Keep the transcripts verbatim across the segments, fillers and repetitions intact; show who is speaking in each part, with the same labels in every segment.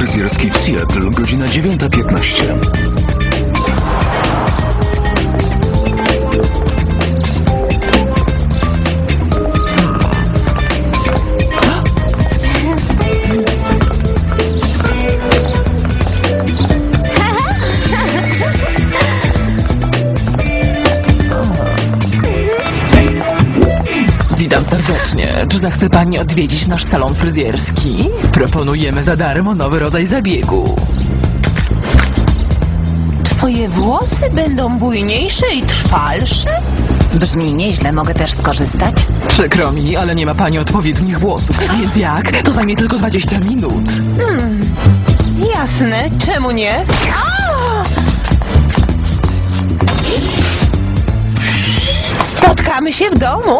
Speaker 1: fryzjerski w Seattle, godzina dziewiąta piętnaście.
Speaker 2: Witam serdecznie. Czy zechce pani odwiedzić nasz salon fryzjerski? Proponujemy za darmo nowy rodzaj zabiegu.
Speaker 3: Twoje włosy będą bujniejsze i trwalsze?
Speaker 4: Brzmi nieźle, mogę też skorzystać?
Speaker 2: Przykro mi, ale nie ma pani odpowiednich włosów. Więc jak? To zajmie tylko dwadzieścia minut.
Speaker 3: Hmm, jasne, czemu nie? Spotkamy się w domu.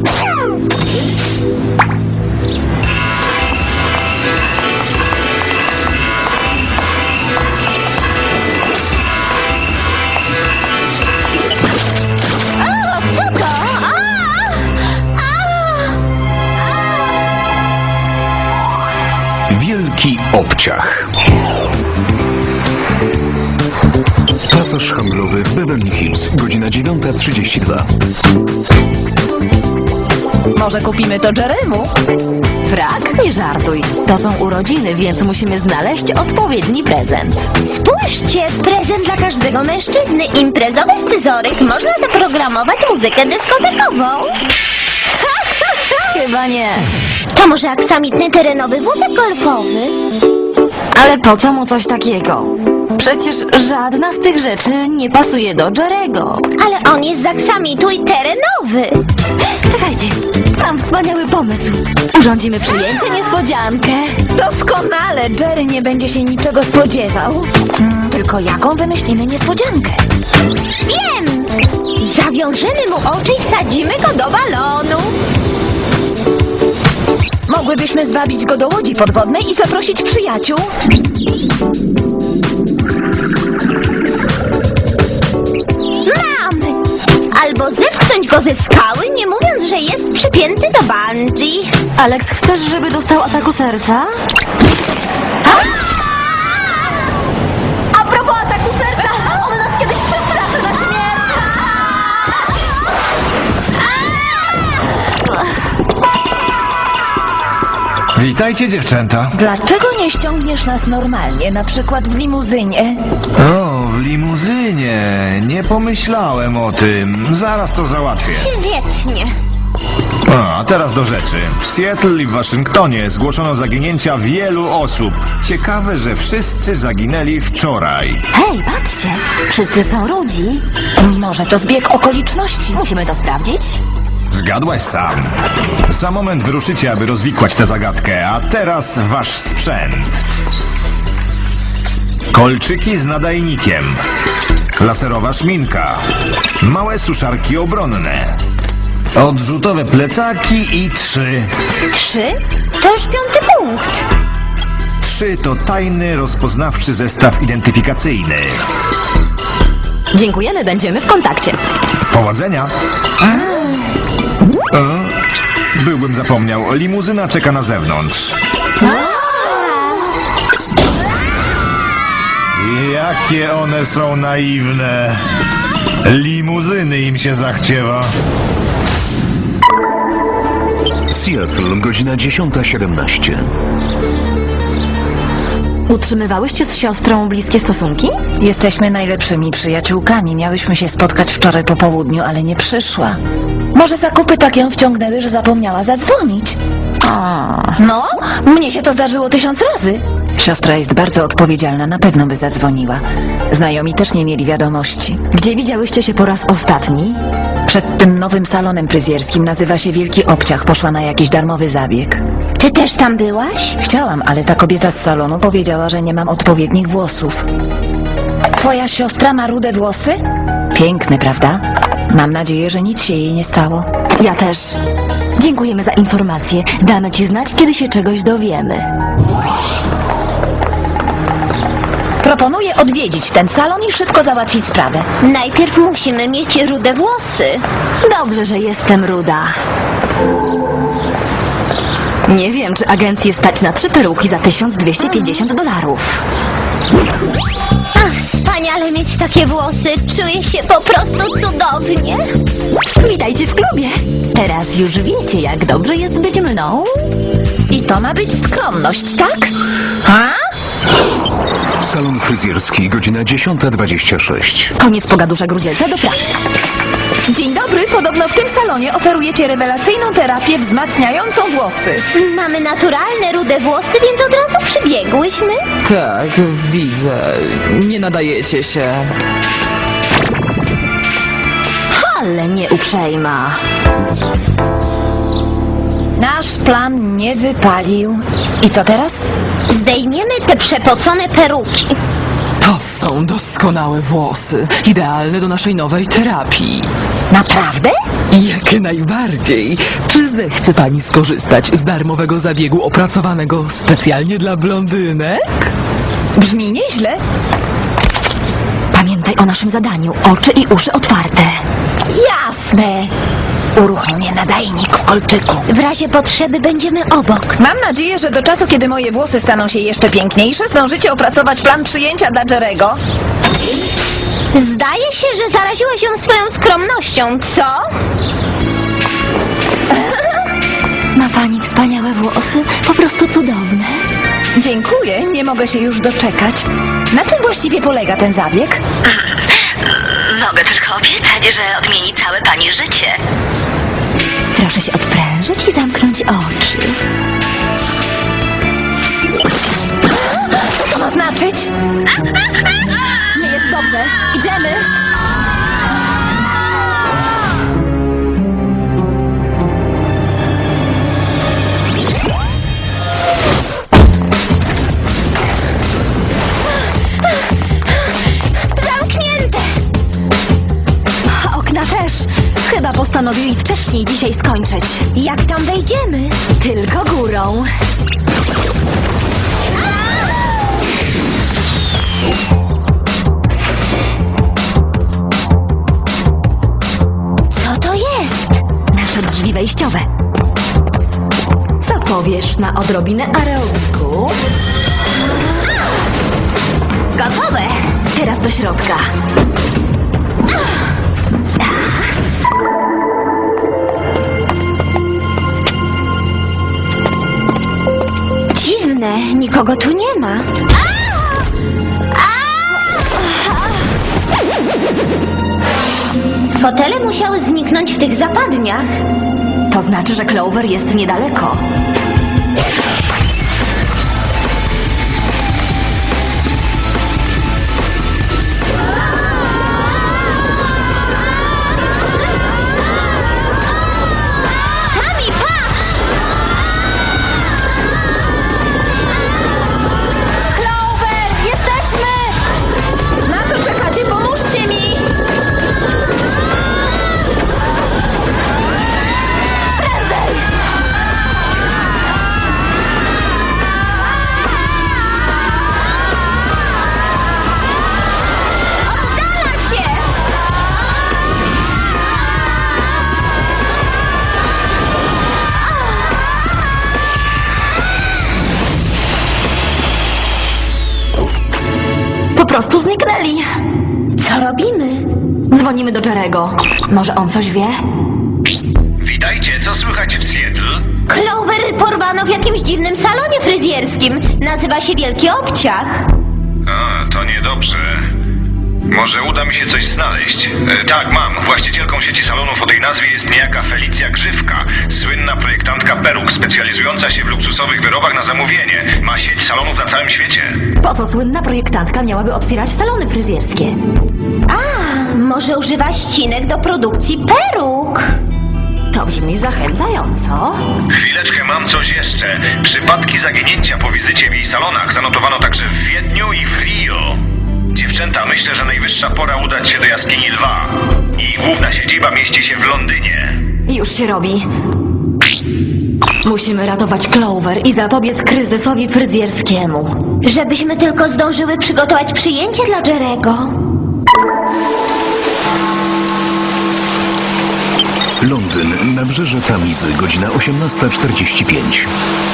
Speaker 1: Wielki obciach. Pasaż handlowy w Beverly Hills, godzina dziewiąta trzydzieści dwa.
Speaker 4: Może kupimy to Jeremu? Frak? Nie żartuj. To są urodziny, więc musimy znaleźć odpowiedni prezent.
Speaker 5: Spójrzcie, prezent dla każdego mężczyzny. Imprezowy scyzoryk. Można zaprogramować muzykę dyskotekową.
Speaker 4: Chyba nie.
Speaker 5: To może aksamitny terenowy wózek golfowy?
Speaker 4: Ale po co mu coś takiego? Przecież żadna z tych rzeczy nie pasuje do Jerego.
Speaker 5: Ale on jest z aksamitu i terenowy.
Speaker 4: Czekajcie, mam wspaniały pomysł. Urządzimy przyjęcie niespodziankę. Doskonale, Jerry nie będzie się niczego spodziewał. Hmm, tylko jaką wymyślimy niespodziankę?
Speaker 5: Wiem! Zawiążemy mu oczy i wsadzimy go do balonu.
Speaker 4: Mogłybyśmy zwabić go do łodzi podwodnej i zaprosić przyjaciół.
Speaker 5: Mamy! Albo zepchnąć go ze skały, nie mówiąc, że jest przypięty do bungee.
Speaker 4: Alex, chcesz, żeby dostał ataku serca? A propos ataku serca, on nas kiedyś przestraszy na śmierć.
Speaker 6: Witajcie, dziewczęta.
Speaker 4: Dlaczego nie ściągniesz nas normalnie, na przykład w limuzynie?
Speaker 6: O, w limuzynie. Nie pomyślałem o tym. Zaraz to załatwię.
Speaker 5: Wiecznie.
Speaker 6: A, a teraz do rzeczy. W Seattle i w Waszyngtonie zgłoszono zaginięcia wielu osób. Ciekawe, że wszyscy zaginęli wczoraj.
Speaker 4: Hej, patrzcie, wszyscy są rudzi. Może to zbieg okoliczności. Musimy to sprawdzić.
Speaker 6: Zgadłaś sam. Za moment wyruszycie, aby rozwikłać tę zagadkę, a teraz wasz sprzęt. Kolczyki z nadajnikiem. Laserowa szminka. Małe suszarki obronne. Odrzutowe plecaki i trzy.
Speaker 5: Trzy? To już piąty punkt.
Speaker 6: Trzy to tajny, rozpoznawczy zestaw identyfikacyjny.
Speaker 4: Dziękujemy, będziemy w kontakcie.
Speaker 6: Powodzenia. E? Byłbym zapomniał. Limuzyna czeka na zewnątrz. Jakie one są naiwne. Limuzyny im się zachciewa.
Speaker 1: Seattle, godzina dziesiąta siedemnaście.
Speaker 4: Utrzymywałyście z siostrą bliskie stosunki?
Speaker 7: Jesteśmy najlepszymi przyjaciółkami. Miałyśmy się spotkać wczoraj po południu, ale nie przyszła. Może zakupy tak ją wciągnęły, że zapomniała zadzwonić. No, mnie się to zdarzyło tysiąc razy. Siostra jest bardzo odpowiedzialna, na pewno by zadzwoniła. Znajomi też nie mieli wiadomości.
Speaker 4: Gdzie widziałyście się po raz ostatni?
Speaker 7: Przed tym nowym salonem fryzjerskim, nazywa się Wielki Obciach, poszła na jakiś darmowy zabieg.
Speaker 5: Ty też tam byłaś?
Speaker 7: Chciałam, ale ta kobieta z salonu powiedziała, że nie mam odpowiednich włosów. Twoja siostra ma rude włosy? Piękne, prawda? Mam nadzieję, że nic się jej nie stało.
Speaker 4: Ja też. Dziękujemy za informację. Damy ci znać, kiedy się czegoś dowiemy.
Speaker 7: Proponuję odwiedzić ten salon i szybko załatwić sprawę.
Speaker 5: Najpierw musimy mieć rude włosy.
Speaker 4: Dobrze, że jestem ruda. Nie wiem, czy agencję stać na trzy peruki za tysiąc dwieście pięćdziesiąt dolarów.
Speaker 5: Ach, wspaniale mieć takie włosy. Czuję się po prostu cudownie.
Speaker 4: Witajcie w klubie. Teraz już wiecie, jak dobrze jest być mną.
Speaker 7: I to ma być skromność, tak? Ha?
Speaker 1: Salon fryzjerski, godzina dziesiąta dwadzieścia sześć.
Speaker 4: Koniec pogaduszek Grudzielca, do pracy.
Speaker 7: Dzień dobry, podobno w tym salonie oferujecie rewelacyjną terapię wzmacniającą włosy.
Speaker 5: Mamy naturalne, rude włosy, więc od razu przybiegłyśmy.
Speaker 2: Tak, widzę. Nie nadajecie się.
Speaker 4: Ale nieuprzejma.
Speaker 7: Nasz plan nie wypalił. I co teraz?
Speaker 5: Zdejmiemy te przepocone peruki.
Speaker 2: To są doskonałe włosy. Idealne do naszej nowej terapii.
Speaker 7: Naprawdę?
Speaker 2: Jak najbardziej. Czy zechce pani skorzystać z darmowego zabiegu opracowanego specjalnie dla blondynek?
Speaker 7: Brzmi nieźle.
Speaker 4: Pamiętaj o naszym zadaniu. Oczy i uszy otwarte.
Speaker 7: Jasne. Uruchomię nadajnik w kolczyku.
Speaker 5: W razie potrzeby będziemy obok.
Speaker 7: Mam nadzieję, że do czasu, kiedy moje włosy staną się jeszcze piękniejsze, zdążycie opracować plan przyjęcia dla Jerego.
Speaker 5: Zdaje się, że zaraziłaś ją swoją skromnością, co?
Speaker 4: Ma pani wspaniałe włosy. Po prostu cudowne.
Speaker 7: Dziękuję, nie mogę się już doczekać. Na czym właściwie polega ten zabieg?
Speaker 4: Mogę tylko obiecać, że odmieni całe pani życie. Proszę się odprężyć i zamknąć oczy.
Speaker 7: Co to ma znaczyć?
Speaker 4: Nie jest dobrze. Idziemy.
Speaker 5: Zamknięte!
Speaker 4: Okna też. Chyba postanowili wcześniej dzisiaj skończyć.
Speaker 5: Jak tam wejdziemy?
Speaker 4: Tylko górą.
Speaker 5: Co to jest?
Speaker 4: Nasze drzwi wejściowe. Co powiesz na odrobinę aerobiku? Gotowe! Teraz do środka.
Speaker 5: Dziwne, nikogo tu nie ma. Fotele musiały zniknąć w tych zapadniach.
Speaker 4: To znaczy, że Clover jest niedaleko.
Speaker 5: Tami, patrz!
Speaker 4: Clover! Jesteśmy!
Speaker 7: Na co czekacie? Pomóżcie mi!
Speaker 5: Oddala się!
Speaker 4: Po prostu zniknęli.
Speaker 5: Co robimy?
Speaker 4: Dzwonimy do Jerego. Może on coś wie?
Speaker 6: Witajcie, co słychać w Seattle?
Speaker 5: Clover porwano w jakimś dziwnym salonie fryzjerskim. Nazywa się Wielki Obciach.
Speaker 6: A, to niedobrze. Może uda mi się coś znaleźć. E, tak, mam. Właścicielką sieci salonów o tej nazwie jest niejaka Felicja Grzywka, słynna projektantka peruk, specjalizująca się w luksusowych wyrobach na zamówienie. Ma sieć salonów na całym świecie.
Speaker 4: Po co słynna projektantka miałaby otwierać salony fryzjerskie?
Speaker 5: A, może używa ścinek do produkcji peruk?
Speaker 4: To brzmi zachęcająco.
Speaker 6: Chwileczkę, mam coś jeszcze. Przypadki zaginięcia po wizycie w jej salonach zanotowano także w Wiedniu i w Rio. Dziewczęta, myślę, że najwyższa pora udać się do jaskini Lwa. Jej główna siedziba mieści się w Londynie.
Speaker 4: Już się robi. Musimy ratować Clover i zapobiec kryzysowi fryzjerskiemu.
Speaker 5: Żebyśmy tylko zdążyły przygotować przyjęcie dla Jerego.
Speaker 1: Londyn, Nabrzeże Tamizy, godzina osiemnasta czterdzieści pięć.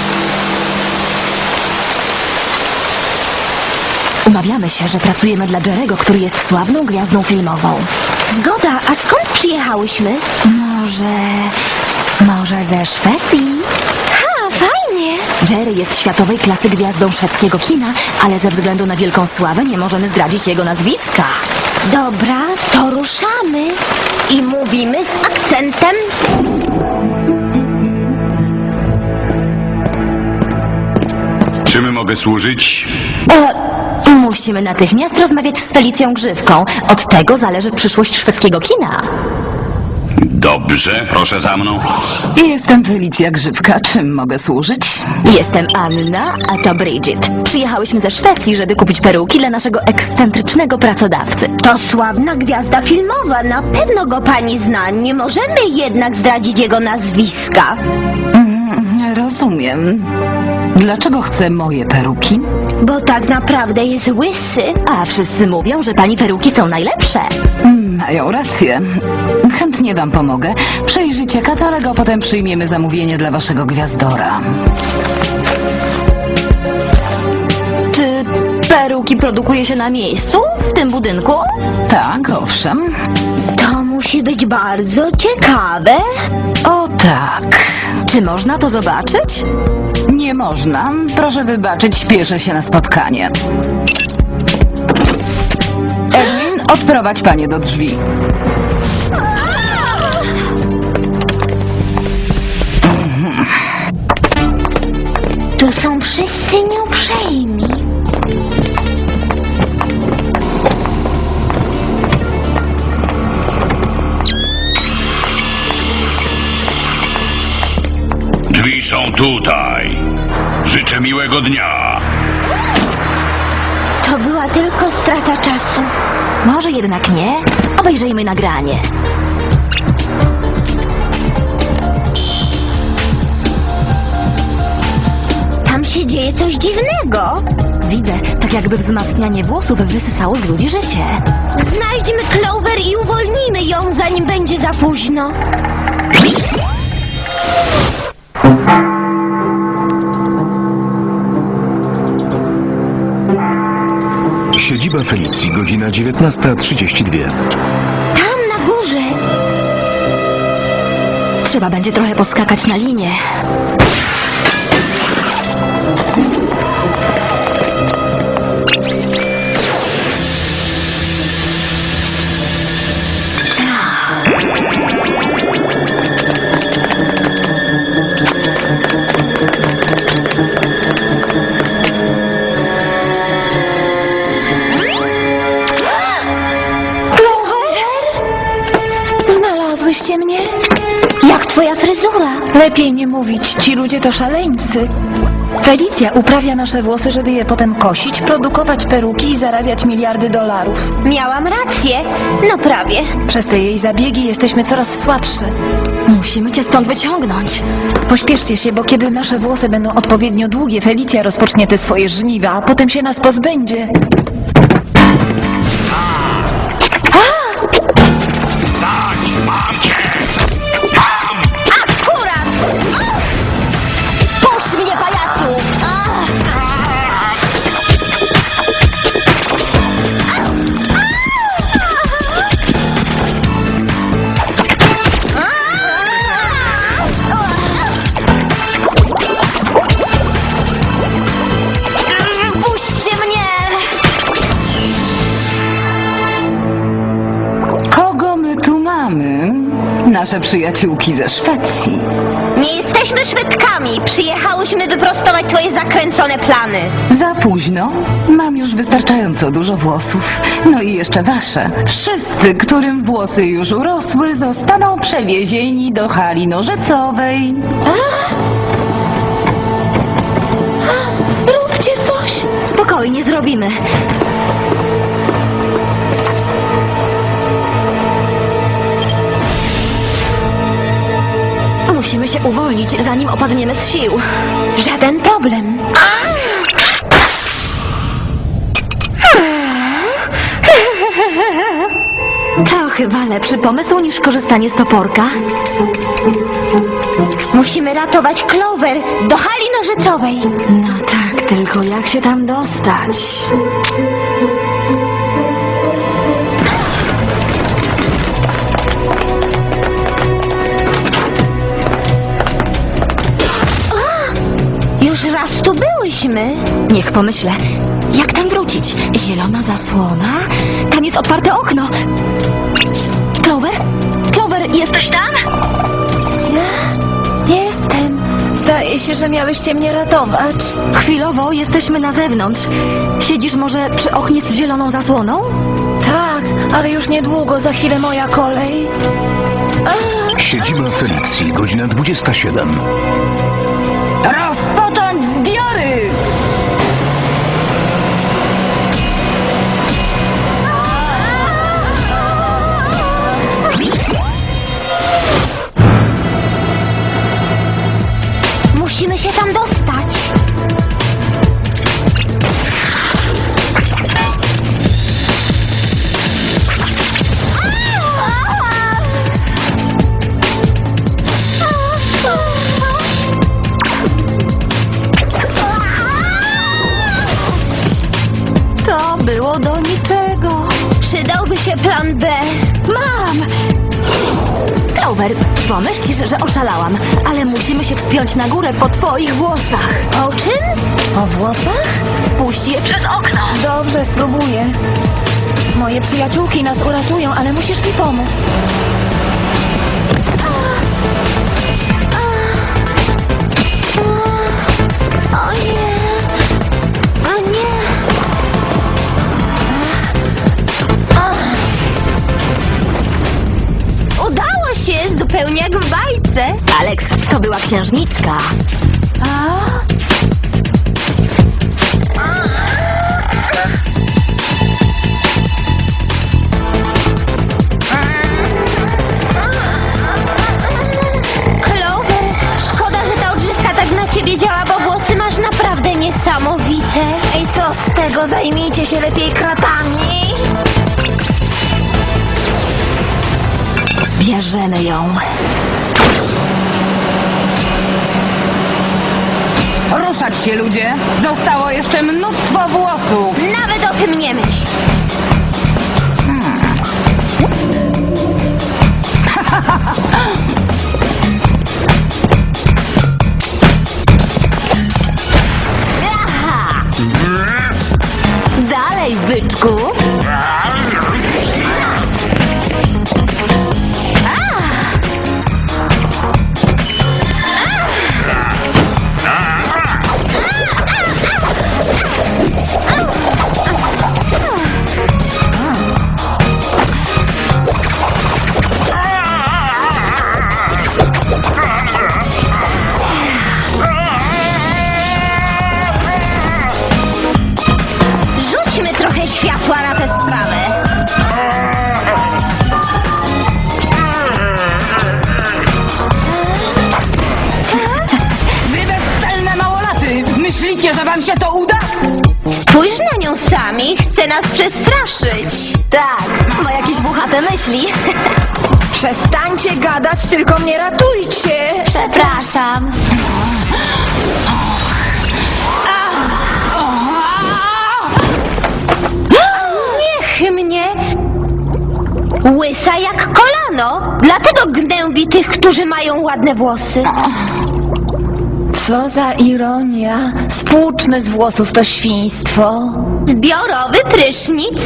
Speaker 4: Umawiamy się, że pracujemy dla Jerego, który jest sławną gwiazdą filmową.
Speaker 5: Zgoda, a skąd przyjechałyśmy?
Speaker 4: Może... może ze Szwecji?
Speaker 5: Ha, fajnie.
Speaker 4: Jerry jest światowej klasy gwiazdą szwedzkiego kina, ale ze względu na wielką sławę nie możemy zdradzić jego nazwiska.
Speaker 5: Dobra, to ruszamy. I mówimy z akcentem.
Speaker 6: Czym mogę służyć?
Speaker 4: E, musimy natychmiast rozmawiać z Felicją Grzywką. Od tego zależy przyszłość szwedzkiego kina.
Speaker 6: Dobrze, proszę za mną.
Speaker 2: Jestem Felicja Grzywka. Czym mogę służyć?
Speaker 4: Jestem Anna, a to Bridget. Przyjechałyśmy ze Szwecji, żeby kupić peruki dla naszego ekscentrycznego pracodawcy.
Speaker 5: To sławna gwiazda filmowa, na pewno go pani zna. Nie możemy jednak zdradzić jego nazwiska.
Speaker 2: Rozumiem. Dlaczego chce moje peruki?
Speaker 5: Bo tak naprawdę jest łysy.
Speaker 4: A wszyscy mówią, że pani peruki są najlepsze.
Speaker 2: Mają rację. Chętnie wam pomogę. Przejrzyjcie katalog, a potem przyjmiemy zamówienie dla waszego gwiazdora.
Speaker 4: Czy peruki produkuje się na miejscu, w tym budynku?
Speaker 2: Tak, owszem.
Speaker 5: To musi być bardzo ciekawe.
Speaker 2: O tak.
Speaker 4: Czy można to zobaczyć?
Speaker 2: Nie można. Proszę wybaczyć, śpieszę się na spotkanie. Edwin, odprowadź panie do drzwi.
Speaker 5: Tu są wszyscy nieuprzejmi.
Speaker 6: Drzwi są tutaj. Życzę miłego dnia.
Speaker 5: To była tylko strata czasu.
Speaker 4: Może jednak nie? Obejrzyjmy nagranie.
Speaker 5: Tam się dzieje coś dziwnego.
Speaker 4: Widzę, tak jakby wzmacnianie włosów wysysało z ludzi życie.
Speaker 5: Znajdźmy Clover i uwolnijmy ją, zanim będzie za późno.
Speaker 1: Siedziba Felicji, godzina dziewiętnasta trzydzieści dwa.
Speaker 5: Tam na górze.
Speaker 4: Trzeba będzie trochę poskakać na linię.
Speaker 7: Znalazłyście mnie?
Speaker 5: Jak twoja fryzura?
Speaker 7: Lepiej nie mówić, ci ludzie to szaleńcy. Felicja uprawia nasze włosy, żeby je potem kosić, produkować peruki i zarabiać miliardy dolarów.
Speaker 5: Miałam rację. No prawie.
Speaker 7: Przez te jej zabiegi jesteśmy coraz słabsze.
Speaker 4: Musimy cię stąd wyciągnąć.
Speaker 7: Pośpieszcie się, bo kiedy nasze włosy będą odpowiednio długie, Felicja rozpocznie te swoje żniwa, a potem się nas pozbędzie.
Speaker 5: Akurat! Puść mnie, pajacu! Puśćcie mnie!
Speaker 2: Kogo my tu mamy? Nasze przyjaciółki ze Szwecji.
Speaker 5: Nie jesteśmy Szwedkami. Przyjechałyśmy wyprostować twoje zakręcone plany.
Speaker 2: Za późno. Mam już wystarczająco dużo włosów. No i jeszcze wasze. Wszyscy, którym włosy już urosły, zostaną przewiezieni do hali nożycowej.
Speaker 4: Róbcie coś. Spokojnie, zrobimy. Musimy się uwolnić, zanim opadniemy z sił.
Speaker 5: Żaden problem.
Speaker 4: To chyba lepszy pomysł niż korzystanie z toporka.
Speaker 5: Musimy ratować Clover do hali nożycowej.
Speaker 4: No tak, tylko jak się tam dostać?
Speaker 5: Już raz tu byłyśmy.
Speaker 4: Niech pomyślę. Jak tam wrócić? Zielona zasłona? Tam jest otwarte okno. Clover? Clover, jesteś tam?
Speaker 7: Jestem. Zdaje się, że miałyście mnie ratować.
Speaker 4: Chwilowo jesteśmy na zewnątrz. Siedzisz może przy oknie z zieloną zasłoną?
Speaker 7: Tak, ale już niedługo, za chwilę moja kolej.
Speaker 1: Siedziba Felicji, godzina dwudziesta siedem.
Speaker 2: Rozpocząć zbiory!
Speaker 5: Musimy się tam dostać.
Speaker 4: To było do niczego.
Speaker 5: Przydałby się plan B.
Speaker 4: Mam! Clover, pomyślisz, że oszalałam, ale musimy się wspiąć na górę po twoich włosach.
Speaker 5: O czym?
Speaker 7: O włosach?
Speaker 4: Spuść je przez okno.
Speaker 7: Dobrze, spróbuję. Moje przyjaciółki nas uratują, ale musisz mi pomóc.
Speaker 5: O nie. O nie. Udało się, zupełnie jak w bajce.
Speaker 4: Alex, to była księżniczka.
Speaker 5: Clover, szkoda, że ta odżywka tak na ciebie działa, bo włosy masz naprawdę niesamowite.
Speaker 7: I co z tego? Zajmijcie się lepiej kratami.
Speaker 4: Bierzemy ją.
Speaker 2: Ruszać się, ludzie! Zostało jeszcze mnóstwo włosów!
Speaker 5: Nawet o tym nie myśl.
Speaker 4: Dalej, byczku.
Speaker 5: Rzućmy trochę światła na tę sprawę.
Speaker 2: Wy bezczelne małolaty! Myślicie, że wam się to uda?
Speaker 5: Spójrz na nią sami, chce nas przestraszyć.
Speaker 4: Tak, ma jakieś włochate myśli.
Speaker 7: Przestańcie gadać, tylko mnie ratujcie.
Speaker 4: Przepraszam.
Speaker 5: Niech mnie. Łysa jak kolano. Dlatego gnębi tych, którzy mają ładne włosy.
Speaker 7: Co za ironia. Spłuczmy z włosów to świństwo.
Speaker 5: Zbiorowy prysznic.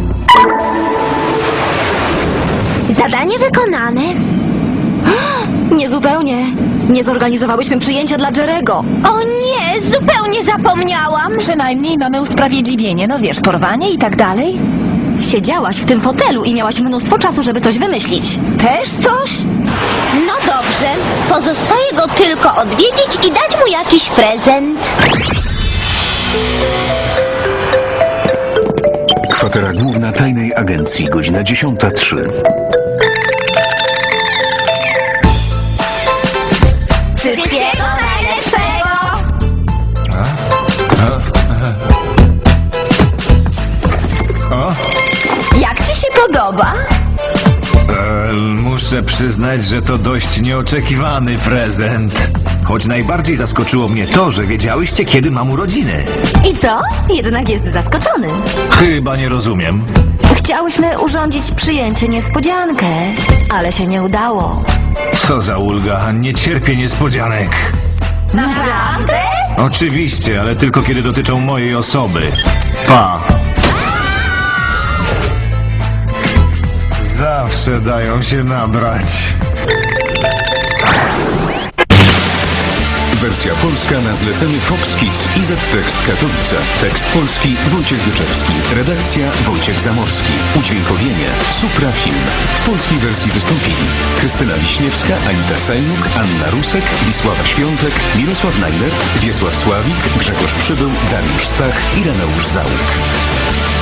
Speaker 5: Zadanie wykonane.
Speaker 4: Niezupełnie. Nie zorganizowałyśmy przyjęcia dla Jerego.
Speaker 5: O nie, zupełnie zapomniałam.
Speaker 7: Przynajmniej mamy usprawiedliwienie, no wiesz, porwanie i tak dalej.
Speaker 4: Siedziałaś w tym fotelu i miałaś mnóstwo czasu, żeby coś wymyślić.
Speaker 7: Też coś?
Speaker 5: No dobrze, pozostaje go tylko odwiedzić i dać mu jakiś prezent.
Speaker 1: Kwatera główna tajnej agencji, godzina dziesiąta trzy.
Speaker 4: Wszystkiego najlepszego! Jak ci się podoba?
Speaker 6: E, muszę przyznać, że to dość nieoczekiwany prezent. Choć najbardziej zaskoczyło mnie to, że wiedziałyście, kiedy mam urodziny.
Speaker 4: I co? Jednak jest zaskoczony.
Speaker 6: Chyba nie rozumiem.
Speaker 4: Chciałyśmy urządzić przyjęcie niespodziankę, ale się nie udało.
Speaker 6: Co za ulga, nie cierpię niespodzianek.
Speaker 4: Naprawdę?
Speaker 6: Oczywiście, ale tylko kiedy dotyczą mojej osoby. Pa. Zawsze dają się nabrać.
Speaker 1: Wersja polska na zlecenie Fox Kids i Z-Tekst Katowice. Tekst polski Wojciech Wyczewski. Redakcja Wojciech Zamorski. Udźwiękowienie Supra Film. W polskiej wersji wystąpili Krystyna Wiśniewska, Anita Sajnuk, Anna Rusek, Wisława Świątek, Mirosław Najlert, Wiesław Sławik, Grzegorz Przybył, Dariusz Stach i Reneusz Załuk.